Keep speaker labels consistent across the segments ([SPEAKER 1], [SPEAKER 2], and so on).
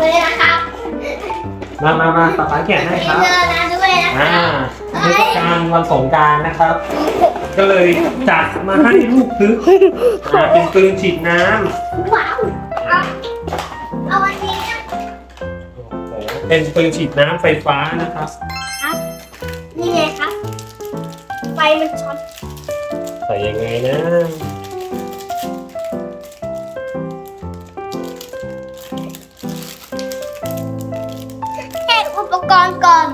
[SPEAKER 1] เลยนะครับ
[SPEAKER 2] มาป๊าแกะให้ครับ
[SPEAKER 1] เจอนะด้วยนะ
[SPEAKER 2] เทศกาลวันสงกรานต์นะครับ ก็เลยจัดมาให้ลูกซื้อเป็นปืนฉีดน้ำ
[SPEAKER 1] ว้าวเอาวันนี้นะ
[SPEAKER 2] โอ้โหเป็นปืนฉีดน้ำไฟฟ้านะครับ
[SPEAKER 1] ครับนี่ไงครับไฟมันช็อต
[SPEAKER 2] ใส่ยังไงนะ
[SPEAKER 1] แค่อุปกรณ์ก่อน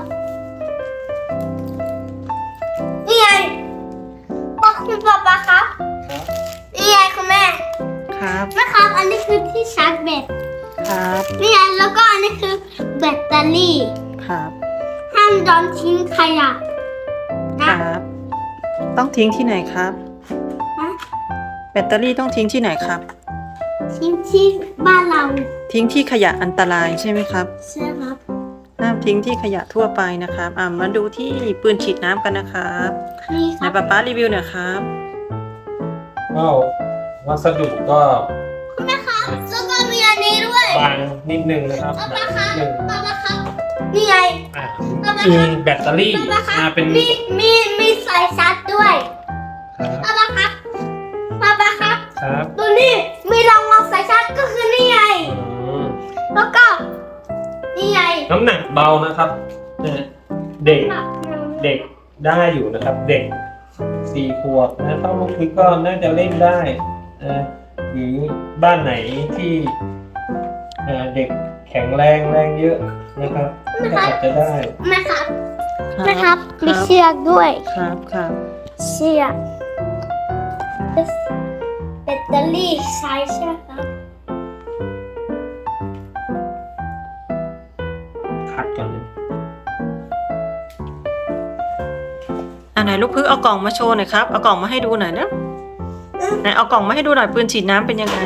[SPEAKER 1] นี่ไงพ่อคุณป๊าครับ
[SPEAKER 2] ครับ
[SPEAKER 1] นี่ไงคุณแม่
[SPEAKER 3] ครับ
[SPEAKER 1] แม่ครับ อันนี้คือที่ชาร์จแบต
[SPEAKER 3] ครับ
[SPEAKER 1] นี่ไงแล้วก็อันนี้คือแบตเตอรี่
[SPEAKER 3] ครับ
[SPEAKER 1] ห้ามโดนทิ้งขยะ
[SPEAKER 3] ค
[SPEAKER 1] นะ
[SPEAKER 3] รับ ต้องทิ้งที่ไหนครับ
[SPEAKER 1] ฮะ
[SPEAKER 3] แบตเตอรี่ต้องทิ้งที่ไหนครับ
[SPEAKER 1] ทิ้งที่บ้านเรา
[SPEAKER 3] ทิ้งที่ขยะอันตรายใช่ไหมครับ
[SPEAKER 1] ใช่ครับ
[SPEAKER 3] ห้ามทิ้งที่ขยะทั่วไปนะครับมาดูที่ปืนฉีดน้ำกันนะครับ
[SPEAKER 1] นี่ค
[SPEAKER 3] ไหน
[SPEAKER 1] รับ
[SPEAKER 3] ป๊ารีวิวหน่อยครับ
[SPEAKER 2] ก็วัสดุก็
[SPEAKER 1] คุณแม่ครับแล้วก็มีอันนี้ด้วย
[SPEAKER 2] บางนิดนึงนะครับ
[SPEAKER 1] ป๊า
[SPEAKER 2] หนา
[SPEAKER 1] ป๊าครับ
[SPEAKER 2] นิดนึง
[SPEAKER 1] ป๊าป๊าครับนี่ไง
[SPEAKER 2] อ่ามีแบตเตอรี่
[SPEAKER 1] ป๊าป๊าครับ
[SPEAKER 2] เป็น
[SPEAKER 1] มีสายชาร์จด้วย
[SPEAKER 2] ครับ
[SPEAKER 1] ป๊าป๊าครับป๊าป๊าครับ
[SPEAKER 2] ครับ
[SPEAKER 1] ดูนี่มีรองรับสายชาร์จก็คือนี่ไง
[SPEAKER 2] อืม
[SPEAKER 1] แล้วก็นี่ไง
[SPEAKER 2] น้ำหนักเบานะครับเนี่ยเด็กได้อยู่นะครับ เด็ก4 ขวบนะถ้าลูกพิกก็น่าจะเล่นได้หรือบ้านไหนที่เด็กแข็งแรงเยอะนะครับก็อาจจะได้
[SPEAKER 1] แม่ครับ
[SPEAKER 3] ครับ
[SPEAKER 1] แม่ครับมีเชือกด้วย
[SPEAKER 3] ครับครับ
[SPEAKER 1] เชือกแบตเตอรี่ใช้ใช่ไหมครับ
[SPEAKER 2] ขัดกันเลย
[SPEAKER 3] ไหนลูกพึ่งเอากล่องมาโชว์หน่อยครับ เอากล่องมาให้ดูหน่อยนะไหนเอากล่องมาให้ดูหน่อยปืนฉีดน้ำเป็นยังไง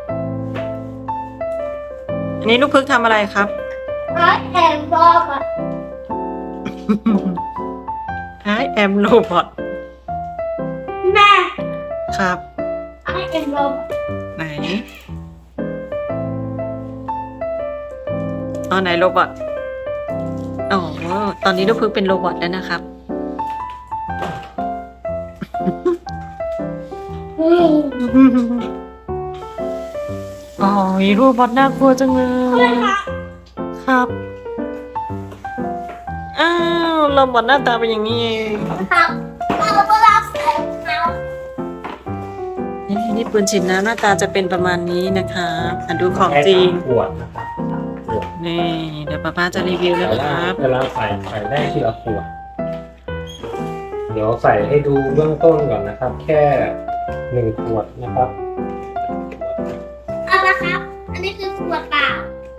[SPEAKER 3] อันนี้ลูกพึ่งทำอะไรครับ
[SPEAKER 1] แอนบอกอ่ะ
[SPEAKER 3] I am robot
[SPEAKER 1] แม่
[SPEAKER 3] ครับ
[SPEAKER 1] แอนบอก
[SPEAKER 3] ไหนอ๋อไหนโรบอทอ๋อตอนนี้ลูกพึ่งเป็นโรบอทแล้วนะครับ อ๋อโรบอทน่ากลัวจังเลยครับ อ้าวโรบอทหน้าตาเป็นอย่างนี้เอง
[SPEAKER 1] ครับเราก็รับใส่เขา
[SPEAKER 3] นี่ปืนฉีดน้ำหน้าตาจะเป็นประมาณนี้นะคะดูของจริง
[SPEAKER 2] ขวดนะครับขวด
[SPEAKER 3] นี่เดี๋ยวป้าจะรีวิวนะครับ
[SPEAKER 2] เวลาใส่ได้ทีละขวดเดี๋ยวใส่ให้ดูเบื้องต้นก่อนนะครับ แค่1 ขวดนะครับ
[SPEAKER 1] เอาละครับ อันนี้คือขวดเปล่า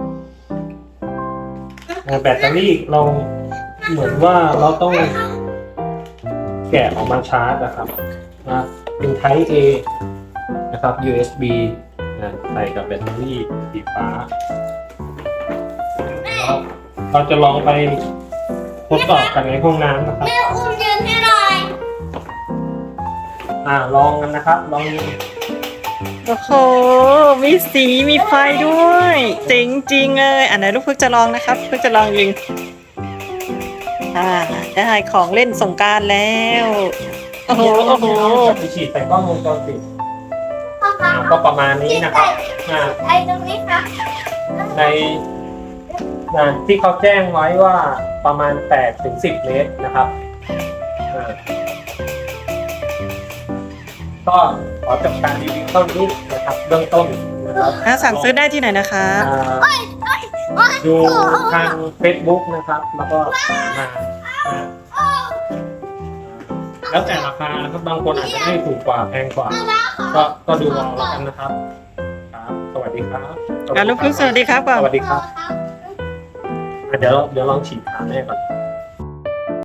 [SPEAKER 2] แบตเตอรี่เราเหมือนว่าเราต้องแกะออกมาชาร์จนะครับนะเป็น Type A นะครับ USB นะใส่กับแบตเตอรี่สีฟ้าแล้วเราจะลองไปทดสอบกันในห้องน้ำนะครับ
[SPEAKER 1] แม่อุ้มยืนให้หน่อย
[SPEAKER 2] ลองกันนะครับ ลอง
[SPEAKER 3] โอ้โห มีสีมีไฟด้วยเจ๋งจริงเลยไหนลูกพึกจะลองนะครับพึกจะลองยิงได้ของเล่นสงกรานต์แล้วโอ้โหโอ้โห
[SPEAKER 2] จะไปฉีดใส่กล้องวงจรปิด
[SPEAKER 1] พ่อครับ
[SPEAKER 2] ก็ประมาณนี้นะครับ
[SPEAKER 1] ไอ้ตรงนี้ครับ
[SPEAKER 2] ในที่เขาแจ้งไว้ว่าประมาณ8 ถึง 10 เมตรนะครับก็ขอจบการรีวิวเท่านี้นะครับเบื้องต้นนะครับ
[SPEAKER 3] สั่งซื้อได้ที่ไหนนะคะ
[SPEAKER 2] ดูทาง Facebook นะครับ แล้วก็มาแล้วแต่ราคานะครับบางคนอาจจะให้ถูกกว่าแพงกว่า ก็ดูเอาแล้วกันนะครับครับสวัสดีครับ
[SPEAKER 3] ลูกพึกสวัสดีครับก่อน
[SPEAKER 2] สวัสดีครับเดี๋ยวลองฉีดขาแม่ก่อน